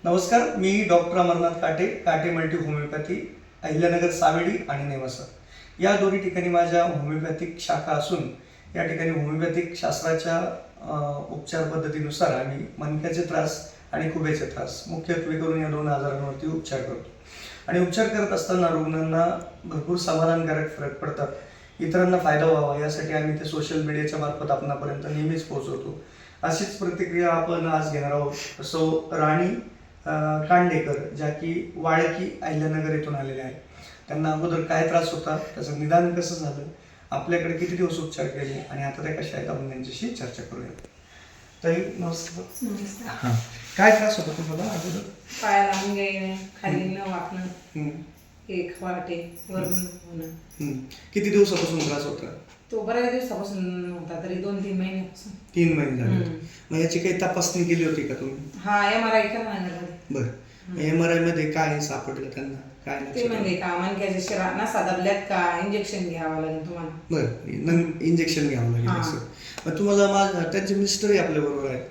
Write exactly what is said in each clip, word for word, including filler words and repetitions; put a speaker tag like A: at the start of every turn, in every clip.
A: नमस्कार, मी डॉक्टर अमरनाथ काटे, काटे मल्टी होमिओपॅथी, अहिल्यानगर सावेडी आणि नेवासा या दोन्ही ठिकाणी माझ्या होमिओपॅथिक शाखा असून या ठिकाणी होमिओपॅथिक शास्त्राच्या उपचार पद्धतीनुसार आम्ही मणक्याचे त्रास आणि खुब्याचे त्रास मुख्यत्वे करून या दोन आजारांवरती उपचार करतो. आणि उपचार करत असताना रुग्णांना भरपूर समाधानकारक फरक पडतात. इतरांना फायदा व्हावा यासाठी आम्ही ते सोशल मीडियाच्या मार्फत आपणापर्यंत नेहमीच पोहोचवतो. अशीच प्रतिक्रिया आपण आज घेणार आहोत. सौ राणी कांडेकर, ज्या की वाळकी अहिल्यानगर येथून आलेल्या आहेत. त्यांना अगोदर काय त्रास होता, त्याचं निदान कसं झालं, आपल्याकडे किती दिवस उपचार केले आणि आता त्या कशा आहेत, आपण त्यांच्याशी चर्चा करूया. ताई नमस्कार. हां, काय त्रास होता तुम्हाला अगोदर?
B: पायाला मुंगे, खाली न वाकणं, एक वाटे वरून होणं.
A: किती दिवसापासून त्रास होता?
B: तो बऱ्याच दिवसापासून होता, तरी दोन तीन महिन्यापासून.
A: तीन महिने झाले. मग याची काही तपासणी केली होती का तुम्ही?
B: हा, एम आर आय केला ना.
A: बरं, एम आर आय मध्ये काय सापडलं त्यांना? काय
B: ते म्हणजे का मणक्याच्या शिरा नसा दबल्यात का, इंजेक्शन घ्यावं लागेल तुम्हाला.
A: बरं, इंजेक्शन घ्यावं लागेल असं. मग तुम्हाला माझ त्यांचे मिस्टरही आपल्या बरोबर आहेत,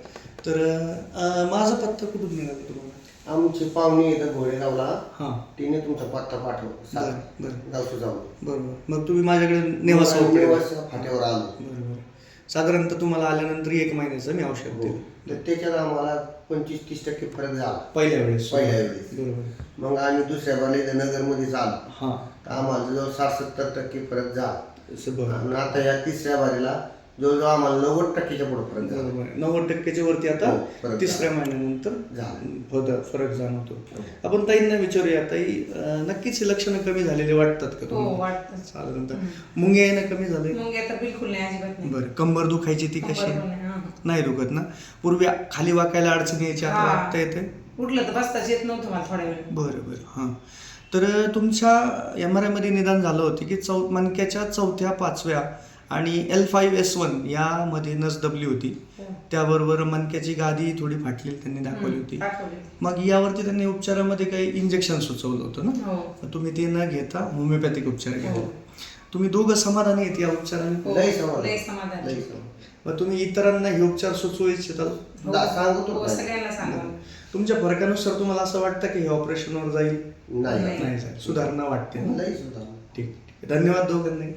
A: तर माझा पत्ता कुठून निघाला तुम्हाला?
C: आमची पाहुणी येतात घोडेगावला.
A: हां,
C: तिने तुमचा पत्ता पाठवला. गावचं जाऊ.
A: बरोबर. मग तुम्ही माझ्याकडे नेवासा
C: फाट्यावर आलो.
A: बरोबर. साधारणतः तुम्हाला आल्यानंतर एक महिन्याचं मी औषध दिलं.
C: तर त्याच्यात आम्हाला पंचवीस तीस टक्के फरक झाला
A: पहिल्या वेळेस.
C: पहिल्या वेळेस.
A: बरोबर.
C: मग आम्ही दुसऱ्या बारीला नगरमध्ये आलो.
A: हां,
C: तर आम्हाला जवळ साठ सत्तर टक्के फरक झाला.
A: बरोबर.
C: आणि आता या तिसऱ्या बारीला जवळजवळ आम्हाला नव्वद टक्क्याच्या पुढे फरक झाला.
A: बरोबर. नव्वद टक्क्याच्या वरती आता
C: हो,
A: तिसऱ्या महिन्यानंतर
C: झाला
A: फरक जाणवतो. आपण ताईंना विचारूया, ताई नक्कीच हे लक्षणं कमी झालेले वाटतात का
B: हो,
A: तुम्हाला?
B: वाटतं.
A: साधारणतः मुंगे येणं कमी झाले?
B: मुंगे तर बिलकुल नाही, अजिबात नाही.
A: बरं. कंबर दुखायची ती कशी?
B: कंबर पण नाही, हां.
A: नाही दुखत ना? पूर्वी खाली वाकायला अडचण यायची, आता
B: हां.
A: वाकता येते?
B: उठलं तर बसताच येत नव्हतं मला थोड्या वेळ.
A: बरं बरं. हां, तर तुमच्या एम आर आयमध्ये निदान झालं होतं की चौ मणक्याच्या चौथ्या पाचव्या आणि एल फाईव्ह एस वन यामध्ये नस दबली होती. त्याबरोबर मणक्याची गादी थोडी फाटलेली त्यांनी दाखवली होती. मग यावरती त्यांनी उपचारामध्ये काही इंजेक्शन सुचवलं होतं ना? तुम्ही ते न घेता होमिओपॅथिक उपचार घेतला. तुम्ही दोघं समाधानी आहेत या उपचाराने?
C: लय समाधान. लय समाधान.
A: मग तुम्ही इतरांना हे उपचार सुचवू इच्छिता?
C: सांगतो
B: सगळ्यांना सांगा.
A: तुमच्या फरकानुसार तुम्हाला असं वाटतं की हे ऑपरेशनवर जाईल?
C: नाही
A: नाही जाईल, सुधारणा वाटते ना?
C: लय सुधारणा.
A: ठीक ठीक. धन्यवाद दोघांनी.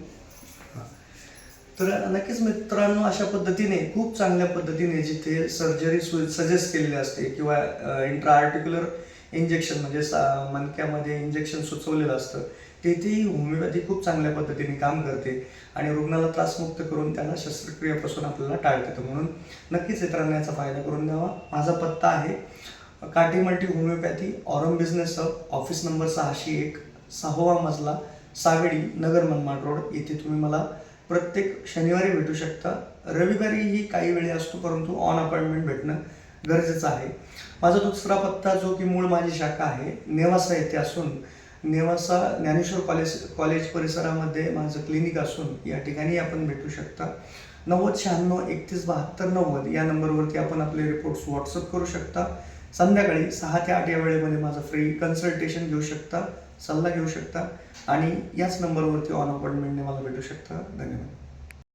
A: तर नक्कीच मित्रांनो, अशा पद्धतीने खूप चांगल्या पद्धतीने जिथे सर्जरी सजेस्ट केलेली असते किंवा इंट्रा आर्टिक्युलर इंजेक्शन म्हणजे मणक्यामध्ये इंजेक्शन सुचवलेलं असतं, तेथेही होमिओपॅथी खूप चांगल्या पद्धतीने काम करते आणि रुग्णाला त्रासमुक्त करून त्याला शस्त्रक्रियेपासून आपल्याला टाळता येतं. म्हणून नक्कीच इतरांना याचा फायदा करून द्यावा. माझा पत्ता आहे काटे multi homeopathy, Aurum business hub, office number सहाशे एक, सहावा मजला, सावेडी, नगर मनमाड रोड. इथे तुम्ही मला प्रत्येक शनिवारी भेटू शकता. रविवारीही काही वेळी असतो, परंतु ऑन अपॉइंटमेंट भेटणं गरजेचं आहे. माझा दुसरा पत्ता जो की मूळ माझी शाखा आहे नेवासा येथे असून, नेवासा ज्ञानेश्वर कॉलेज कॉलेज परिसरामध्ये माझं क्लिनिक असून या ठिकाणी आपण भेटू शकता. नव्वद शहाण्णव एकतीस बहात्तर नव्वद या नंबरवरती आपण आपले रिपोर्ट्स व्हॉट्सअप करू शकता. संध्याकाळी सहा ते आठ या वेळेमध्ये माझं फ्री कन्सल्टेशन घेऊ शकता, सल्ला घेऊ शकता आणि याच नंबरवरती ऑन अपॉइंटमेंटने मला भेटू शकता. धन्यवाद.